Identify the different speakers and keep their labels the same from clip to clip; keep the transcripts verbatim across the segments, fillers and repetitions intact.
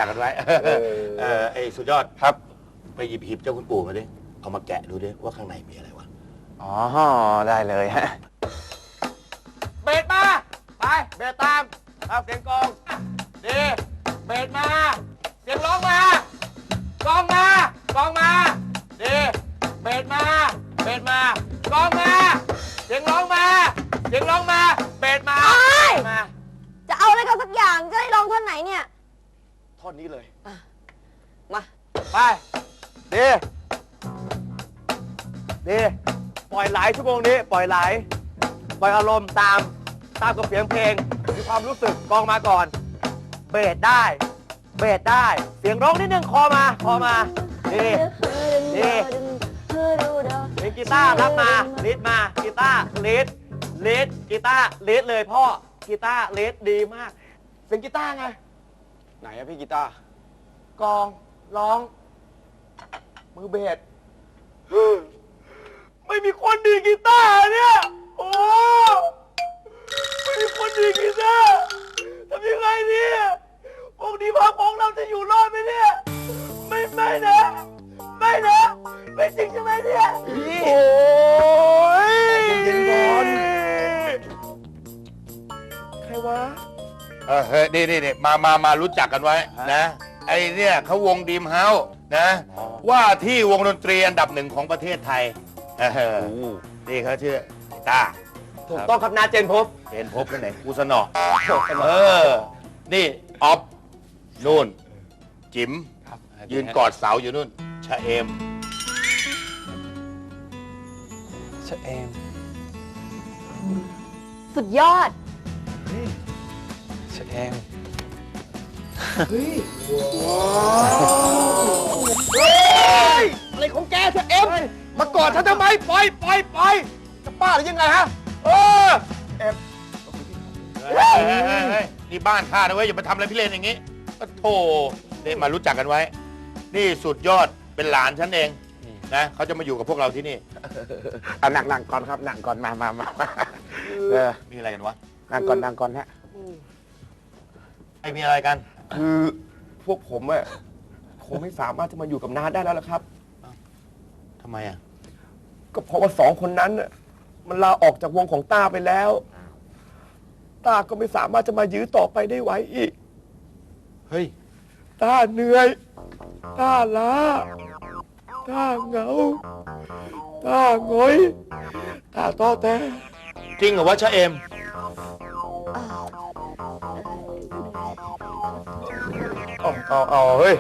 Speaker 1: กกันไว้เออไอ้สุดยอดครับไปหยิบหีบเจ้าคุณปู่มาดิเอามาแกะดูดิว่าข้างในมีอะไรวะ
Speaker 2: อ๋อได้เลยฮะเบสมาไปเบสตามเอาเสียงกองดีเบสมาเสียงร้องมากองมากองมาดีเบสมาเบสมากองมาเสียงร้องมาเสียงร้องมาเบสมามา
Speaker 3: จะเอาอะไรกันสักอย่างจะให้ร้องท่อนไหนเนี่ย
Speaker 2: ท่อนนี้เลย
Speaker 3: มา
Speaker 2: ไปดีดีปล่อยไหลชั่วโมงนี้ปล่อยไหลปล่อยอารมณ์ตามตามกับเสียงเพลงมีความรู้สึกกองมาก่อนเบสได้เบสได้เสียงร้องนิดนึงคอมาคอมาดีดีเสียงกีตาร์รับมาลีดมากีตาร์ลีดลีดกีตาร์ลีดเลยพ่อกีตาร์ลีดดีมากเสียงกีตาร์ไงไหนอะพี่กีตาร์กองร้องมือเบสไม่มีคนดีกีตาร์เนี่ยโอ้ไม่มีคนดีกีตาร์ทำยังไงเนี่ยพวกดีพักของเราจะอยู่รอดไหมเนี่ยไม่ไม่นะไม่นะไม่จริงใช่ไหมเนี่ยโอ้ยเย็นๆก่อนใครวะ
Speaker 1: เออเฮ้ยนี่นี่มามามารู้จักกันไว้นะไอ้เนี่ยเขาวงดีมเฮาส์นะว่าที่วงดนตรีอันดับหนึ่งของประเทศไทยนี่เขาชื่อตา
Speaker 2: ถูกต้องครับนาเจนพบ
Speaker 1: เจนพบกันไหนกูสนอเออนี่ออฟนู่นจิ๋มยืนกอดเสาอยู่นู่นชะเอม
Speaker 2: ชะเอม
Speaker 3: สุดยอด
Speaker 2: ชะเอม
Speaker 1: เฮ้ย
Speaker 2: อะไรของแกชะเอมมากอดฉันทำไมปล่อยปล่อยปล่อยจะป้าหรือยังไงฮะเออเอ็ม
Speaker 1: นี่บ้านข้านะเว้ยอย่ามาทำอะไรพี่เลนอย่างงี้ก็โธ่นี่มารู้จักกันไว้นี่สุดยอดเป็นหลานฉันเองนะเขาจะมาอยู่กับพวกเราที่นี่
Speaker 2: เอาหนักหนักก่อนครับหนักก่อนมามามา
Speaker 1: เออมีอะไรกันวะ
Speaker 2: หนักก่อนหนักก่อนฮะ
Speaker 1: ไอ้มีอะไรกัน
Speaker 2: คือพวกผมอะคงไม่สามารถจะมาอยู่กับน้าได้แล้วละครับ
Speaker 1: ทำไมอ่ะ
Speaker 2: ก็เพราะว่าสองคนนั้นน่ะมันลาออกจากวงของต้าไปแล้วต้าก็ไม่สามารถจะมายื้อต่อไปได้ไหวอีก
Speaker 1: เฮ้ย
Speaker 2: ต้าเหนื่อยต้าล้าต้าเหงาต้าหงอยต้าต้อแท้
Speaker 1: จริงเหรอวะชะเอม
Speaker 2: เอาเอาเอาเฮ้ย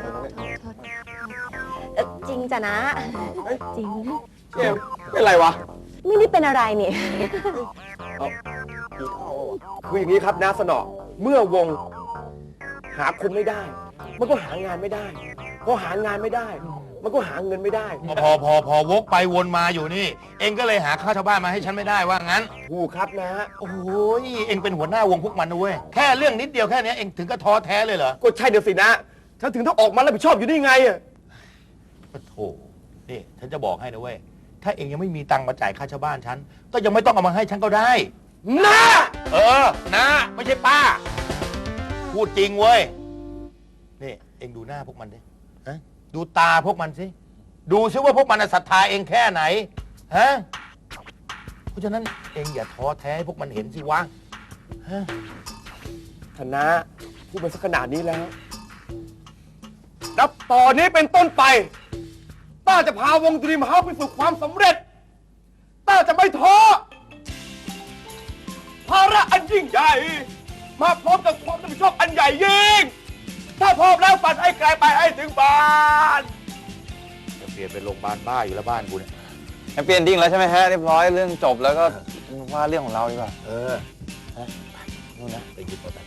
Speaker 3: จริงจ้ะนะจริง
Speaker 2: เอมเป็นไรวะ
Speaker 3: ไม่ได้เป็นอะไรนี่
Speaker 2: คืออย่างนี้ครับน้าสนอเมื่อวงหาคนไม่ได้มันก็หางานไม่ได้พอหางานไม่ได้มันก็หาเงินไม่ได้
Speaker 1: พอพอพอวกไปวนมาอยู่นี่เองก็เลยหาข้าวชาวบ้านมาให้ฉันไม่ได้ว่างั้น
Speaker 2: ถูกครับนะ
Speaker 1: โอ้ยเองเป็นหัวหน้าวงพวกมันนะเว้ยแค่เรื่องนิดเดียวแค่นี้เองถึงก็ท้อแท้เลยเหรอ
Speaker 2: ก็ใช่เดี๋ยวสินะฉันถึงต้องออกมารับผิดชอบอยู่ได้ไงอ่ะ
Speaker 1: โธ่นี่ฉันจะบอกให้นะเว้ยถ้าเองยังไม่มีตังค์มาจ่ายค่าชาวบ้านฉันก็ยังไม่ต้องเอามาให้ฉันก็ได้
Speaker 2: นะ
Speaker 1: เออนะไม่ใช่ป้าพูดจริงเว้ยนี่เองดูหน้าพวกมันดิฮะดูตาพวกมันสิดูซิว่าพวกมันศรัทธาเองแค่ไหนฮะเพราะฉะนั้นเองอย่าท้อแท้ให้พวกมันเห็นสิวะฮะ
Speaker 2: ธนะพูดมาสักขนาดนี้แล้วนับต่อนนี้เป็นต้นไปต้าจะพาวงดรีมเฮาส์ไปสู่ความสำเร็จต้าจะไม่ท้อภาระอันยิ่งใหญ่มาพร้อมกับความรับผิดชอบอันใหญ่ยิ่งถ้าพร้อมแล้วฝันให้ไกลไปให้ถึงบ้าน
Speaker 1: จะเปลี่ยนเป็นโรงพยาบาลบ้าอยู่แล้วบ้านกูเนี่ย
Speaker 4: เปลี่ยนดิ้งแล้วใช่ไหมฮะเรียบร้อยเรื่องจบแล้วก็ว่าเรื่องของเราดีกว่า
Speaker 1: เออนู่นนะไปหยิบเอาไป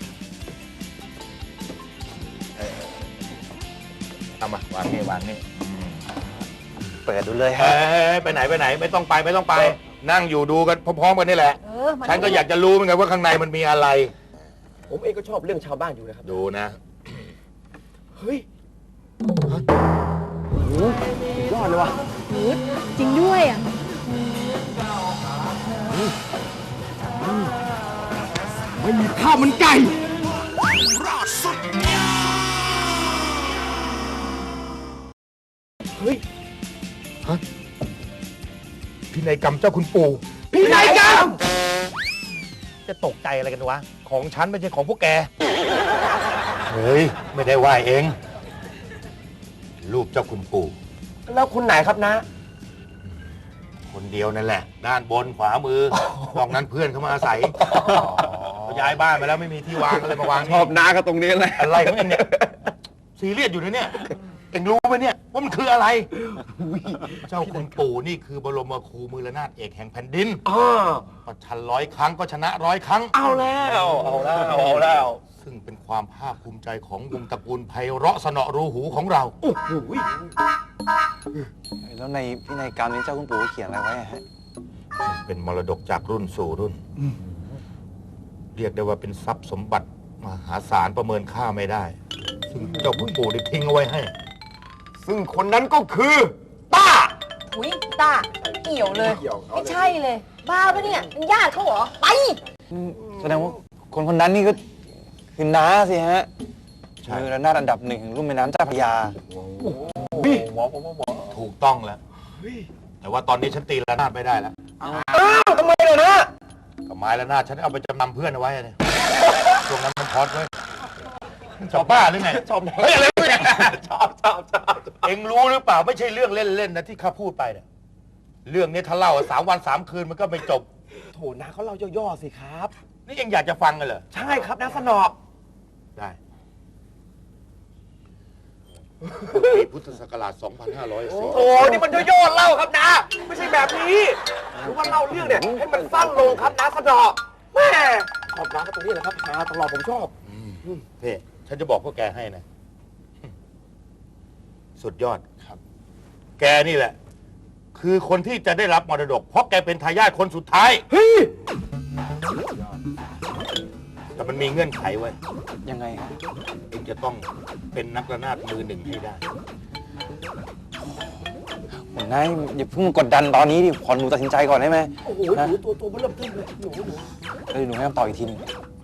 Speaker 1: เอามาวางนี่วางนี่
Speaker 4: เปิดดูเลยฮะ
Speaker 1: ไปไหนไปไหนไม่ต้องไปไม่ต้องไปนั่งอยู่ดูกันพร้อมๆกันนี่แหละฉันก็อยากจะรู้เหมือนกันว่าข้างในมันมีอะไร
Speaker 2: ผมเองก็ชอบเรื่องชาวบ้านอยู่นะครับ
Speaker 1: ดูนะ
Speaker 2: เฮ้ยโอ้โหยอดเลยว่ะ
Speaker 3: จริงด้วยอ่ะ
Speaker 2: ไม่มีข้าวมันไก่
Speaker 1: นัยกรรมเจ้าคุณปู่
Speaker 2: พินัยกรรม
Speaker 1: จะตกใจอะไรกันวะ ของฉันไม่ใช่ของพวกแก เฮ้ย ไม่ได้ว่าเอง รูปเจ้าคุณปู่
Speaker 2: แล้วคุณไหนครับนะ
Speaker 1: คนเดียวนั่นแหละ ด้านบนขวามือนอกนั้นเพื่อนเขามาอาศัยเขาย้ายบ้านไปแล้วไม่มีที่วางอะไรมาวาง
Speaker 4: ชอบน้าก็ตรงนี้แหละ
Speaker 1: อะไรของเองเนี่ยซีเรียสอยู่นะเนี่ยเองรู้ไหมเนี่ยว่ามันคืออะไร เจ้าคุณปู่นี่คือบรมครูมือระนาถเอกแห่งแผ่นดิน
Speaker 2: อ๋อ
Speaker 1: ประชันร้อยครั้งก็ชนะร้อยครั้ง
Speaker 2: เอาแล้ว เอาแล้ว เอาแล้ว
Speaker 1: ซึ่งเป็นความภาคภูมิใจของวงตระกูลไพเราะสนอรูหูของเรา
Speaker 2: โอ้โห
Speaker 4: แล้วในพินัยกรรมนี้เจ้าคุณปู่เขียนอะไรไว้อะฮะ
Speaker 1: เป็นมรดกจากรุ่นสู่รุ่น เรียกได้ว่าเป็นทรัพย์สมบัติมหาศาลประเมินค่าไม่ได้ ซึ่งเจ้าคุณปู่ได้ทิ้งเอาไว้ให้ ซึ่งคนนั้นก็คือป้า
Speaker 3: อุ้ยตาเกี่ยวเลย ไม่ใช่เลย บ้าปะเนี่ยเป็นญาติเขาเหรอ ไป
Speaker 4: แสดงว่าคนคนนั้นนี่ก็คือน้าสิฮะ
Speaker 1: ใช่
Speaker 4: มือระนาดอันดับหนึ่งของรุ่มแม่น้ำเจ้าพระยา
Speaker 1: ถูกต้องแล้ว แต่ว่าตอนนี้ฉันตีระนาดไม่ได้แล้ว
Speaker 2: อ้าวทำไมเลยนะ
Speaker 1: กับไม้ระนาดฉันเอาไปจำนำเพื่อนเอาไว้เนี่ยช่วงนั้นมันพอดไว้ชอบบ้าหรือไง
Speaker 2: ชอบ
Speaker 1: เฮ้ยอะไรเนี่ย
Speaker 2: ชอบชอบชอบ
Speaker 1: เอ็งรู้หรือเปล่าไม่ใช่เรื่องเล่นๆนะที่ข้าพูดไปเนี่ยเรื่องนี้ถ้าเล่าสามวันสามคืนมันก็ไม่จบ
Speaker 2: โถนะเขาเล่าย่อๆสิครับ
Speaker 1: นี่เอ็งอยากจะฟังกันเหรอ
Speaker 2: ใช่ครับนะสนอ
Speaker 1: ได้ปีพุทธศักราช สองพันห้าร้อยสี่
Speaker 2: โอ้นี่มันย่อๆเล่าครับนะ ไม่ใช่แบบนี้หรือว่าเล่าเรื่องเนี่ยให้มันสั้นลงครับนะสนอแม่ชอบนะก็ตรงนี้แหละครับนะตลอดผมชอบ
Speaker 1: เพ่ฉันจะบอกพวกแกให้นะ สุดยอดครับ แกนี่แหละ คือคนที่จะได้รับมรดก เพราะแกเป็นทายาทคนสุดท้าย
Speaker 2: เฮ้ย
Speaker 1: แต่มันมีเงื่อนไขไว้
Speaker 4: ยังไงฮะ
Speaker 1: เองจะต้องเป็นนักระนาดมือหนึ่งให้ได้
Speaker 4: ผมนายอย่าเพิ่งมากดดันตอนนี้ดิขอหนูตัดสินใจก่อนได้ไหม
Speaker 2: โอ้โหหนูตัวตัวมันเริ่มเทิมเลยหนูหนู
Speaker 4: เดี๋ยวหนูให้คำตอบอีกทีหนึง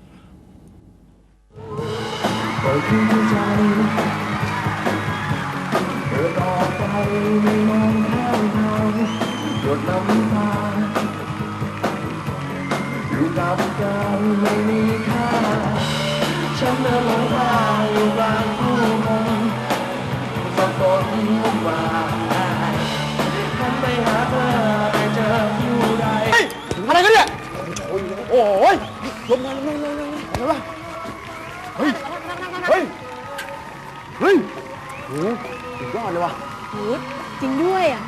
Speaker 5: ปล่อยคืนใจเดินออกไปไม่มองข้างทางหยดน้ำตาอยู่กับการไม่มีค่าฉันเดินหลงทางอยู่กลางผู้คนสับสนวุ่นวายฉันไปหาเธอไม่เจอผู้ใด
Speaker 2: อะไรกันเนี่ยโอ้ยลงมาลงมาลงมาอะไรวะเฮ้ยเฮ้ยเฮ้ยโอ้สุดยอดเลยวะ
Speaker 3: โอ้จริงด้วยอ่ะ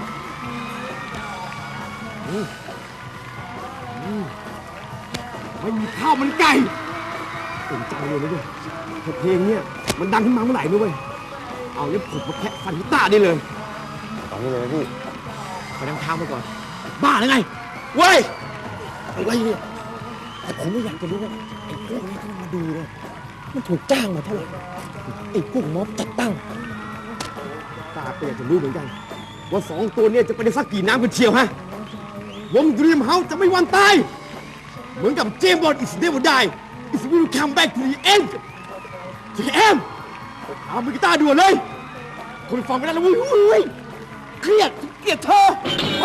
Speaker 2: ไม่มีข้าวมันไก่สนใจเลยนะเว้ยแต่เพลงเนี่ยมันดังขึ้นมาเมื่อไหร่นะเว้ยเอาเนี่ยผมมาแคะฟันกีตาร์ได้เลย
Speaker 4: ตอนนี้เลยนะพี่
Speaker 2: ไปนั่งเท้ามาก่อน บ้าหรือไงเว้ยอะไรเนี่ยแต่ผมไม่อยากจะรู้ว่าไอ้พวกนี้ที่มันมาดูเนี่ยมันถูกจ้างมาเท่าไหร่ไอ้พวกม็อบจัดตั้งตาก็อยากจะรู้เหมือนกัน ว่าสองตัวเนี่ยจะไปได้สักกี่น้ำกันเชียวฮะวงดรีมเฮาส์จะไม่วันตาย เหมือนกับเจมส์บอนด์ is never die is will come back to the end เจมส์เอามือกีตาร์ด่วนเลย คนฟังไม่ได้แล้วเว้ยเว้ยเครียดเกลียดเธอไป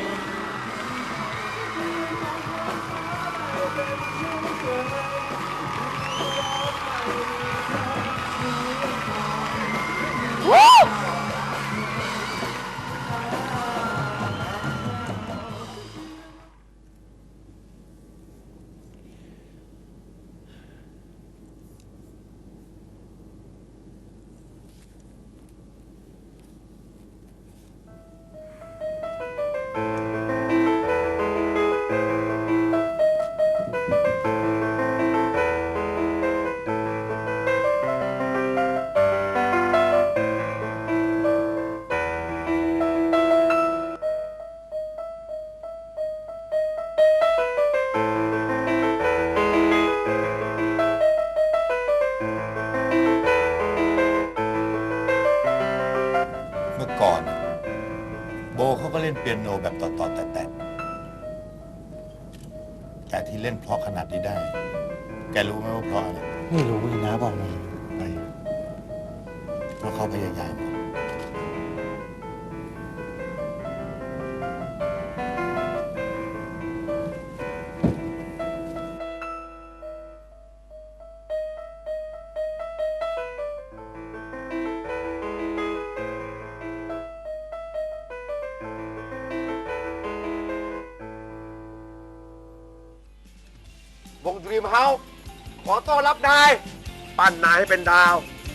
Speaker 1: เมื่อก่อน โบเขาก็เล่นเปียโนแบบต่อๆแต่แต่แต่ที่เล่นเพราะขนาดนี้ได้ แกรู้ไหมว่าเพราะอะไร
Speaker 4: ไม่รู้เลยนะบอกมา
Speaker 1: ไม่เพราะเขาพยายาม
Speaker 2: มเฮาขอต้อนรับนายปั้นนายให้เป็นดาว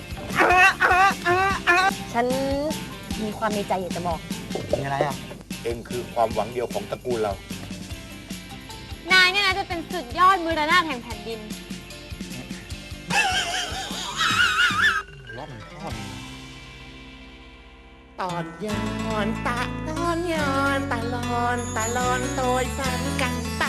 Speaker 3: ฉันมีความในใจอยากจะบอก
Speaker 2: มีอะไรอ่ะ
Speaker 1: เองคือความหวังเดียวของตระกูลเรา
Speaker 6: นายเนี่ยนะจะเป็นสุดยอดมือระนาดแห่งแผ่นดิน
Speaker 5: ตอนย้อนตะตอนย้อนตะลอนตะลอนโดยฝันกันไป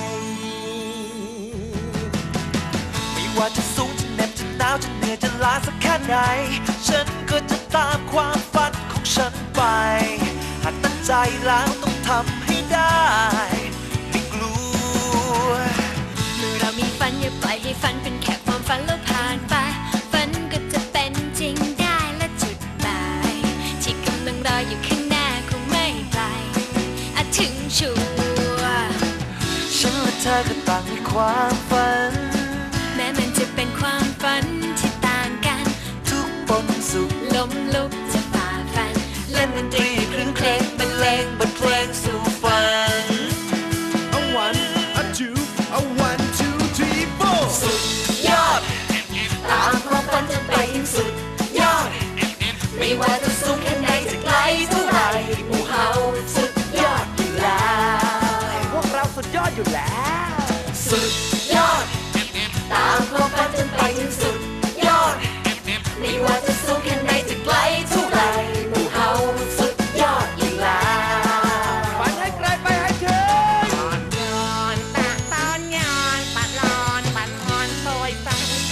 Speaker 5: ไม่ว่าจะสูงจะเหน็บจะหนาวจะเหนื่อยจะล้าสักแค่ไหนฉันก็จะตามความฝันของฉันไปหากตั้งใจแล้วต้องทำให้ได้ไม่กลัว
Speaker 7: เมื่อเรามีฝันอย่าปล่อยให้ฝันเป็นแค่ความฝันแล้วผ่านไปฝันก็จะเป็นจริงได้และจุดหมายที่กำลังรออยู่ข้างหน้าคงไม่ไกลอาจถึงชัวร์
Speaker 5: ฉันและเธอก็ต่างมีความฝัน
Speaker 7: แม้มันจะเป็นความฝันที่ต่างกัน
Speaker 5: ทุกปนสุข
Speaker 7: ล้มลุกจะฝ่าฟันเล่นดนตรีคลื่นเพลงบรรเลงบทเพลงสู่ฝัน
Speaker 5: A one a two a one two three four สุดยอด
Speaker 7: ตามความฝันจนไปถึงสุดยอด ไม่ว่าจะสูงแค่ไหนจะไกลเท่าไหร่หมู่เฮาสุดยอดอยู่แล้ว
Speaker 2: พวกเราสุดยอดอยู่แล้ว
Speaker 7: สุดยอด ตามความฝันจนไปถึงสุดยอด ไม่ว่าจะสูงแค่ไหนจะไกลเท่าไหร่หมู่เฮาสุดยอดอยู่แล้ว
Speaker 2: ฝันให้ไกลไปให้ถึง
Speaker 5: ย้อนตะตอนย้อนปัดลอนปัดลอนโดยฝัน